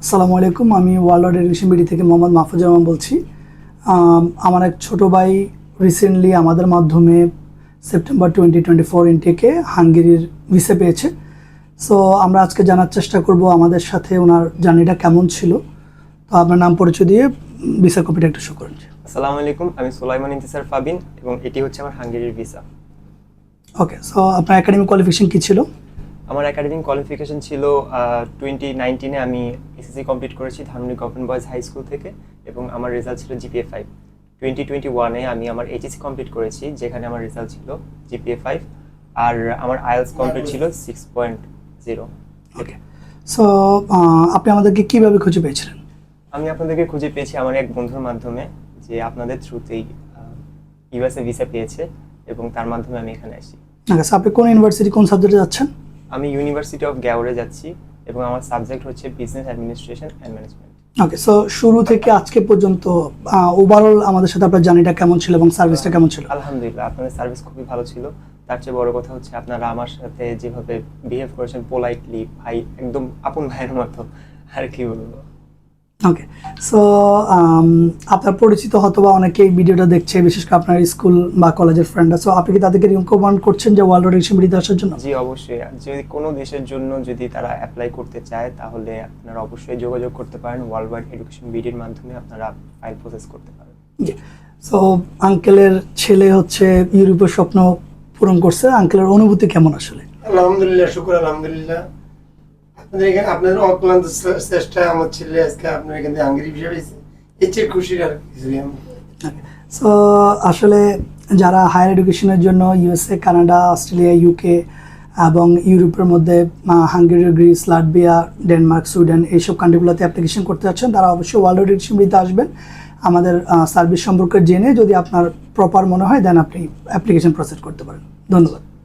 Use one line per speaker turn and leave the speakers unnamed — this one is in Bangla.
আসসালামু আলাইকুম, আমি ওয়ার্ল্ড এডুকেশন বিডি থেকে মোহাম্মদ মাহফুজুর রহমান বলছি। আমার এক ছোটো ভাই রিসেন্টলি আমাদের মাধ্যমে সেপ্টেম্বর 2024 ইনটেকে হাঙ্গেরির ভিসা পেয়েছে। সো আমরা আজকে জানার চেষ্টা করব আমাদের সাথে ওনার জার্নিটা কেমন ছিল। তো আপনার নাম পরিচয় দিয়ে ভিসা কপিটা একটু শো করেন।
আসসালামু আলাইকুম, আমি সুলাইমান ইন্তিসার ফাবিন এবং এটি হচ্ছে আমার হাঙ্গেরির ভিসা।
ওকে, সো আপনার একাডেমিক কোয়ালিফিকেশন কী ছিল?
আমার একাডেমিক কোয়ালিফিকেশন ছিল 2019-এ আমি এসএসসি কমপ্লিট করেছি Dhanmondi government boys high school থেকে এবং আমার রেজাল্ট ছিল জিপিএ 5। 2021-এ আমি আমার এইচএসসি কমপ্লিট করেছি, যেখানে আমার রেজাল্ট ছিল জিপিএ 5, আর আমার আইএলটিএস কমপ্লিট ছিল 6.0।
ওকে, সো আপনি আমাদেরকে কীভাবে খুঁজে পেয়েছিলেন?
আমি আপনাদেরকে খুঁজে পেয়েছি আমার এক বন্ধুর মাধ্যমে, যে আপনাদের থ্রুতেই ইউএসএ ভিসা পেয়েছে এবং তার মাধ্যমে আমি এখানে আসি।
ওকে, সো আপনি কোন ইউনিভার্সিটি কোন সাবজেক্টে যাচ্ছেন?
আমি ইউনিভার্সিটি অফ গ্যাওরে যাচ্ছি এবং আমার সাবজেক্ট হচ্ছে business administration and management.
Okay, so শুরু থেকে আজকে পর্যন্ত ওভারঅল আমাদের সাথে আপনার জার্নিটা কেমন ছিল এবং সার্ভিসটা কেমন ছিল?
আলহামদুলিল্লাহ, আপনাদের সার্ভিস খুবই ভালো ছিল। তার চেয়ে বড় কথা হচ্ছে আপনারা আমার সাথে যেভাবে বিহেভ করেছেন, পোলাইটলি, ভাই একদম আপন ভাইয়ের মতো, আর কি বলবো।
ওকে, সো আপনার পরিচিত হয়তো বা অনেকেই ভিডিওটা দেখছে, বিশেষ করে আপনার স্কুল বা কলেজের ফ্রেন্ডরা। সো আপনি কি তাদেরকে রিকমেন্ড করছেন যে ওয়ার্ল্ড এডুকেশন বিডিতে আসার জন্য?
জি অবশ্যই, যদি কোনো দেশের জন্য যদি তারা অ্যাপ্লাই করতে চায় তাহলে আপনারা অবশ্যই যোগাযোগ করতে পারেন। ওয়ার্ল্ড ওয়াইড এডুকেশন বিডির মাধ্যমে আপনারা ফাইল প্রসেস করতে পারেন।
জি, সো আঙ্কেলের ছেলে হচ্ছে ইউরোপের স্বপ্ন পূরণ করছে। আঙ্কেলের অনুভূতি কেমন আসলে?
আলহামদুলিল্লাহ, শুকর আলহামদুলিল্লাহ। আপনাদের অক্লান্ত চেষ্টায় আমার ছেলে আজকে আপনার এখান থেকে হাঙ্গেরি ভিসা পেয়েছে, এর চেয়ে খুশির আর কিছুই আমি।
সো আসলে যারা হায়ার এডুকেশনের জন্য ইউএসএ, কানাডা, অস্ট্রেলিয়া, ইউকে এবং ইউরোপের মধ্যে Hungary, Greece, Latvia, Denmark, Sweden এইসব কান্ট্রিগুলোতে অ্যাপ্লিকেশন করতে যাচ্ছেন, তারা অবশ্যই ওয়ার্ল্ড এডুকেশন বিডিতে আসবেন। আমাদের সার্ভিস সম্পর্কে জেনে যদি আপনার প্রপার মনে হয় দেন আপনি অ্যাপ্লিকেশন প্রসেস করতে পারেন। ধন্যবাদ।